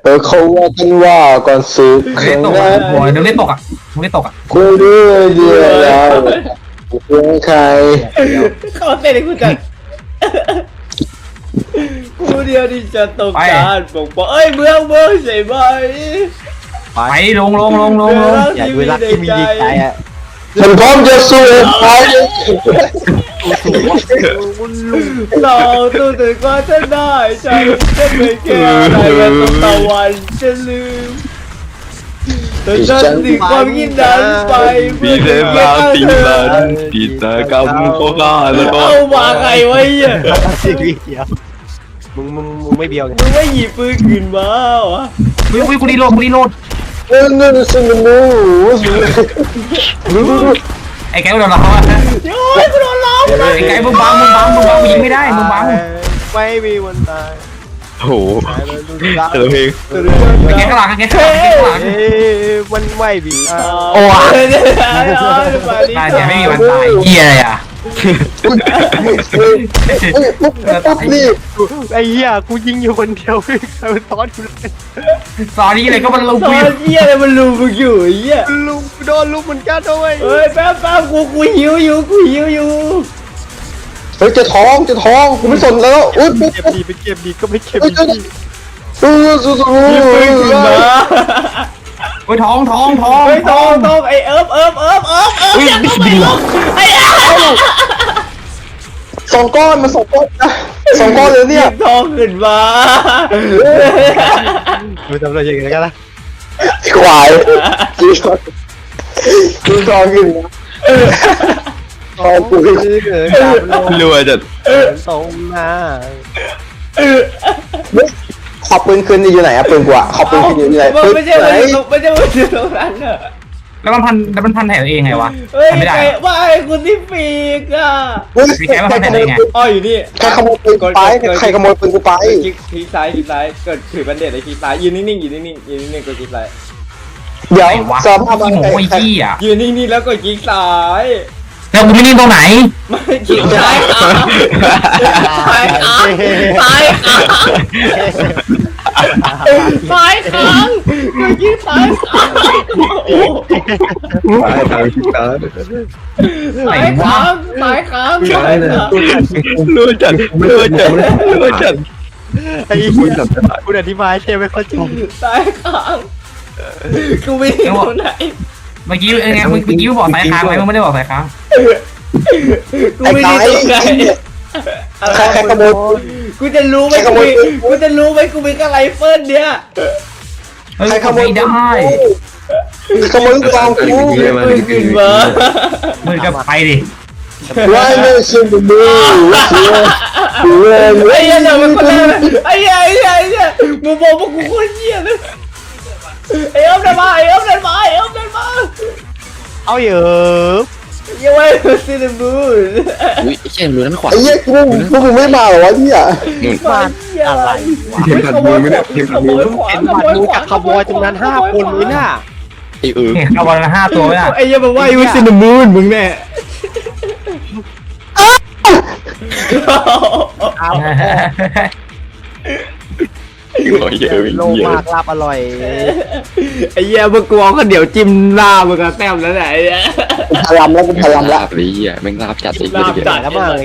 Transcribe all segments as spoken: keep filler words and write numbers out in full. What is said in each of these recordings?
เออเขาว่ากันว่าก่อนศึกเล่นตกอ่ะหัวเดี๋ยวเล่นตกอ่ะมึงเล่นตกอ่ะกูด้วยเดียวแล้วกูใครเขาเต้นให้กูจัดกูเดียวที่จะตกการปกป้องเอ้ยเมืองเมืองใช่ไหมไปลงลงลงลงลงอยากดูรักที่มีดีใจอ่ะฉันพร้อมจะสู้ไปเราตัวถึงว่าจะได้ฉันจะไม่แค่อะไรกันตะวันจะลืมแต่ฉันถึงความยินนั้นไปเพื่อ Di จะเก็บ dalam เธอ tilan kita kamu kokalah เอามาไงวะเนี่ยชีวิตเดียวมึงมึงมึงไม่เบียวไงมึงไม่หยิบปืนขึ้นมาวะวิววิวกูรีโหลดกูรีโหลดเออนั่นสิมันรู้ไอ้แกโดนเราอ่ะโอ้ยกูโดนล้อมไอ้แกมึงบังมึงบังมึงบังมึงยิงไม่ได้มึงบังไม่มีวันตาย Oh ตายแล้วดูสิครับ Hello Heng ไอ้แกข้างหลังไอ้แกข้างหลังไอ้แกข้างหลังเอ้ยมันไม่มีอ่ะโอ้ยตายเนี่ยไม่มีวันตายเหี้ยอะไรอ่ะปุ๊บปุ๊บนี่ไอ้เหี้ยกูยิงอยู่คนเดียวไม่มีใครมาซ้อนกูเลยตอนนี้เลยก็มันลงตอวิวนเหี้ยอะไรมันลูมึงอยู่ไอ้เหี้ยลุงกูโดนลุงเหมือนกันด้วยเฮ้ยแป๊บแป๊บกูกูหิวอยู่กูหิวอยู่เฮ้ยจะท้องจะท้องกูไม่สนแล้วอุ้ยปุ๊บเก็บปุ๊บดีไปเก็บดีก็ไม่เก็บเฮ้ยดีเออสู้สู้หยิบปืนขึ้นมาเฮ้ยท้องท้องท้องเฮ้ยตองตองไอ้เอิบเอิบเอิบเอิบเอิบอย่าเข้าไปลงไอ้เอิบสองก้อนมันสองก้อนนะสองก้อนเลยหเนี่ยิยบทองขึ้นมามึงทำอะไรอย่างเงี้ยกันล่ะควายจีทองจีทองกินนะทองกูคือเกิดการลง Lu aja ตรงหน้าขอบปืนคืนอยู่ไหนอะปืนกูอะขอบปืนคืนอยู่ไหนมันปืนไม่ใช่ไหนมันไม่ใช่มันอยู่ตรงนั้นอะแล้วมันพันแล้วมันพันแถวเองไงวะเฮ้ยทำไม่ได้ไอ้ว่าไอ้คุณที่ปีกอ่ะเฮ้ยมีแกมาพันแถวเองไงอ๋ออยู่นี่ใครขโมยปืนกูไปใครขโมยปืนกูไปคลิกคลิกซ้ายคลิกซ้ายเกิดถือบันเด็ดไอ้คลิกซ้ายยืนนิ่งๆยืนนิ่งๆยืนนิ่งๆกดคลิกซ้ายเดี๋ยวไอ้วะสารภาพขี้หมูใครไอ้ขี้อ่ะยืนนิ่งๆแล้วกดคลิกซ้ายแล้วกูไม่นิ่งตรงไหนไม่คลิกซ้ายขาซ้ายขาซ้ายขาซ้ายขางกดคลิกซ้ายขาโอ้โห Hai thằng kita ซ้ายขางซ้ายขางซ้ายขาง Lu aja Lu aja Lu aja ไอ้เหี้ยคุณอธิบายเชฟไม่เข้าใจซ้ายขางกูไม่ได้ตรงไหนเมื่อกี้เออไงเมื่อกี้บอกสายค้างไหมมึงไม่ได้บอกสายค้างกูไอ้ไม่ไก่ได้ตรงไหนใครใครขโมยกูจะรู้ไหมใครขกูโมยมีกูจะรู้ไหมกูมีกระไรเฟิลเนี่ยเฮ้ยใครขโมยไม่ได้ขโมยกองกูปืนขึ้นมามึงก็ไปดิไว้ไม่ชิมดูเสียเสียไอ้เหี้ยเดี๋ยวมันคนแรกเลยไอ้เหี้ยไอ้เหี้ยไอ้เหี้ยมึงบอกว่ากูโคตรเหี้ยเลยไอ้เอิ้มเดินมาไอ้เอิ้มเดินมาไอ้เอิ้มเดินมาเอาเยอะอย่าไว้ซีนบูน Ui, cái lu đánh ไอ้เหี้ยกูกูมึงไม่มาเหรอวะเนี่ยมาเหี้ยอะไรเห็นผัดมือไหมเนี่ยเห็นผัดมือขวาเป็นขบัตโมรยมูขวาจากขโมยตรงนั้นห้าคนนี้น่ะ Ê ừ เห็นเอาวันละห้าตัวไหมล่ะไอ้เหี้ยบอกว่าอยู่ซีนบูนมึงแน่เอา Ngồi giờ โลมากลาบอร่อยไอ้เหี้ยมึงกลัวก็เดี๋ยวจิ้มหน้ามึงก็แต้มแล้วไหนพลัมแล้วกูพลัมแล้ว Lạp lý à Mình lạp chặt thì ลาบจัดแล้วมาเลย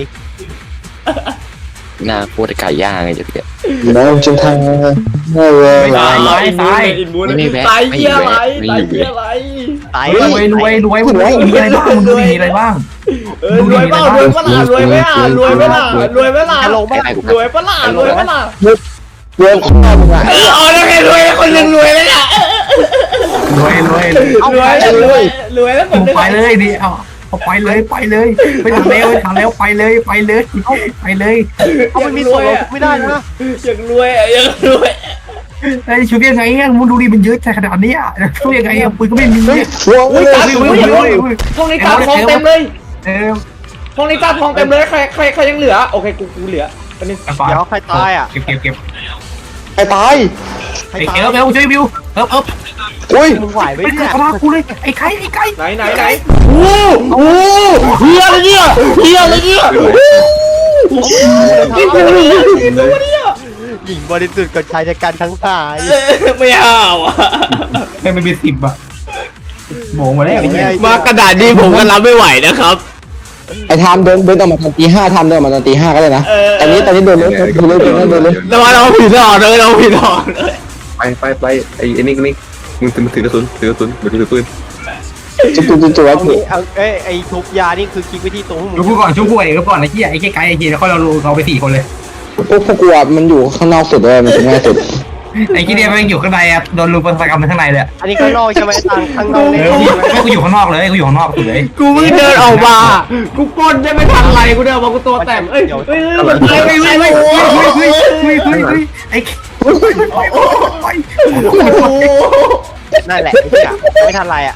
Nà cô đã cải da ngay chứ kìa น้องจึงทางไม่เว้ยตายตายตายตายเหี้ยอะไรตายเหี้ยอะไรตายรวยรวยรวยมึงมีอะไรบ้างมึงมีอะไรบ้างเออรวยเปล่ารวยเปล่ารวยไหมล่ะรวยไหมล่ะรวยไหมล่ะรวยเปล่ารวยไหมล่ะเรื่องของมึงอะเออเอาแล้วไงรวยคนหนึ่งรวยเลยอ่ะรวยรวยรวยรวยรวยแล้วคนมึงหนึ่งไปเลยดิเอาเอาไปเลยไปเลยไปทางเร็วไปทางเร็วไปเลยไปเลยไปเลยเอามันมีส่วนลดไม่ได้นะอยากรวยอ่ะอยากรวยไอ้ชุบยังไงอ่ะมึงดูดิมันเยอะขนาดนี้อ่ะช่วยยังไงอ่ะปืนก็ไม่มีเฮ้ยหัวอุ้ยเลยตาอุ้ยห้องนี้ตาทองเต็มเลยเออห้องนี้ตาทองเต็มเลยใครใครใครยังเหลือโอเคกูกูเหลืออันนี้เดี๋ยวใครตายอ่ะเก็บเก็บเก็บไอ้ตายใครไอ้ตาเอย ลเอลช่วยบิวเอิบเอิบอุ้ยมึงไหวไหมเป็นเนี่ยกระากูเลยไอ้ไข่ไอ้ไข่ไหนไหนไหนโอ้โหเฮียอะไรเนี่ยเฮียอะไรเนี่ยกินกินอะไรเนี่ยหญิงบริสุทธิ์กับชายชะกันทั้งหลายเอ้ยไม่เอาอ่ะให้มันเป็นสิบอะโหมมาแล้วไอ้เหี้ยมากระดาษนี้ผมก็รับไม่ไหวนะครับไอ้ไทม์เดินเดินออกมาตอนตีห้าไทม์เดินออกมาตอนตีห้าก็ได้นะเออตอนนี้ตอนนี้เดินเลยเดินเลยเดินเลยเดินเลยระวังเราผิดหลอดเลยเราผิดหลอดเลยไปไปไปไอ้ไอ้นี่นี่มึงถือมึงถือกระสุนถือกระสุนมึงถือปืนจุ๊บจุ๊บจุ๊บจุ๊บเอาจุ๊บงี้เอาเอ้ยไอ้ทุบยานี่คือคลิกไปที่ตรงมึงชุบกูก่อนชุบกูเองก็ก่อนไอ้เหี้ยไอ้เหี้ยไกด์ไอ้เหี้ยแล้วค่อยเราเราไปสี่คนเลยพวกพวกกูอะมันอยู่ข้างนอกสุดเลยมันถึงง่ายสุดไอ้ที่เนี่ยมันอยู่ข้างในอะโดนลุมประกรรมข้างในเลยอันนี้ข้างนอกใช่ไหมตังข้างนอกเอเนี่ยอไม่กูอยู่ข้างนอกเลยกูอยู่ข้างนอกสุดเลยกูเพิ่งเดินออกมากูปล้นได้ไม่ทันไรกูเดินออกมากูตัวแตกเอ้ยเอ้ยเอ้ยเอ้ยเอ้ยเอ้ยเฮ้ยเฮ้ยเฮ้ยเฮ้ยไอ้โอ้ยโอ้ยโอ้ยโอ้นั่นแหละไอ้เหี้ยไม่ทันไรอ่ะ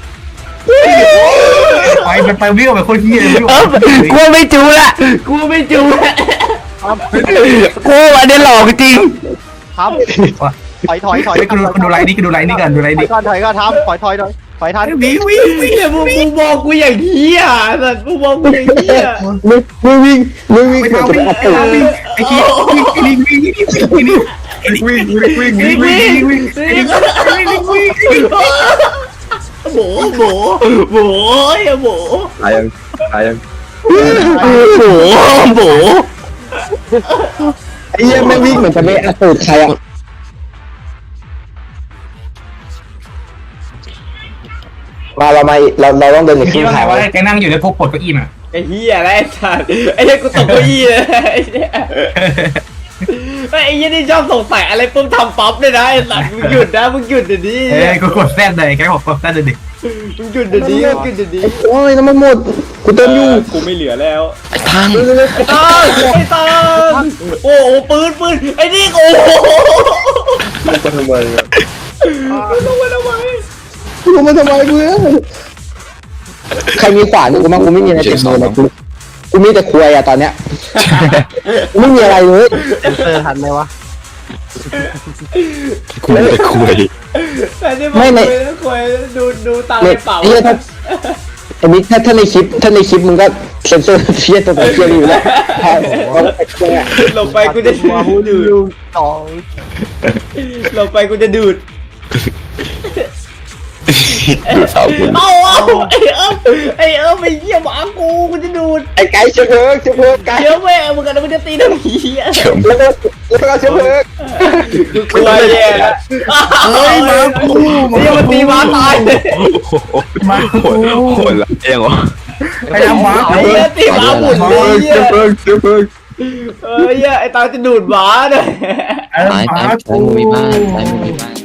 ไปมันไปวิ่งไปคนเหี้ยเลยเออกูไม่จูละกูไม่จูละกูอันนี้หลอกจริงทำถอยถอยถอยกูดูกูดูไลน์นี่กูดูไลน์นี่กันดูไลน์ถอนี่ยก่อนถอยก่อนทำถอยถอยถอยถอยทันวิ่งวิ่งวิ่งเนี่ยมึงมึงบอกกูอย่างเหี้ยสัตว์มึงบอกกูอย่างเหี้ยมึงมึงวิ่งมึงวิ่งไปเกือบทางจะวิ่งอัดไอ้ตูดทางวิ่งไอ้ที่วิ่งวิ่งวิ่งวิ่งวิ่งวิ่งวิ่งวิ่งวิ่งวิ่งวิ่งวิ่งโบโบโบอย่าโบตายยังตายยังโบโบไอ้เหี้ยแม่งวิ่งเหมือนจะไม่อัดตูดใครอะมาเรามาเราเราต้องเดินอีกคคิรึ่ดงว่าทางว่าแกนั่งอยู่ในพวกปลดเก้าอี้มาไอ้เหี้ยอะไรสัตว์ไอ้เหี้ยกูตกเก้าอี้เลยไอ้เหี้ยไอ้เหี้ยนี่ชอบสงสัยอะไรปุ๊บทำป๊อปเลยนะไอ้สัตว์มึงหยุดนะมึงหยุดเดี๋ยวนี้เอ้ยกูกดแซดเลยแกบอกกดแซดเลยดิมึงหยุดเดี๋ยวนี้มึงหยุดเดี๋ยวนี้โอ้ยน้ำมันหมดกูเติมอยู่กูไม่เหลือแล้วไอ้ทางไอ้ตาไอ้ตาโอ้โหปืนปืนไอ้นี่โอ้โหมันจะทำไมอะลงมาทำไมกูลงมาทำไมเพื่อนใครมีขวานกูมั้งกูไม่มีอะไรติดมือเลยกูกูมีแต่ควยอะตอนเนี้ยกูไม่มีอะไรเลยเซนเซอร์ทันไหมวะกูจะคุยแต่นี่บอกเลยนะควยดูดูตาในเป๋าเฮียถ้าอันนี้ถ้าถ้าในคลิปถ้าในคลิปมึงก็เซนเซอร์เทียตัวเทียอยู่แล้วเพราะไอ้เนี่ยลงไปกูจะมาหูดูดูดสองลงไปกูจะดูดสาวคุณเอาเอาไอ้เอิบไอ้เอิบไปเยี่ยมหมากูกูจะดูดไอ้ไก่เชื้อเพลิงเชื้อเพลิงไก่เดี๋ยวแม่มึงกันมึงจะตีน้ำผีอ่ะแล้วก็แล้วก็เชื้อเพลิงกูกลัวแย่ละเฮ้ยมากูนี่มันตีม้าตายเลยมาโหดโหดละยังวะไปทำหมาไอ้เหี้ยตีม้าหมุนเลยเชื้อเพลิงเชื้อเพลิงเอ้ยไอ้ตาจะดูดหมาเลยเออตายหมาตายตายมึงมีบ้านตายมึงมีบ้าน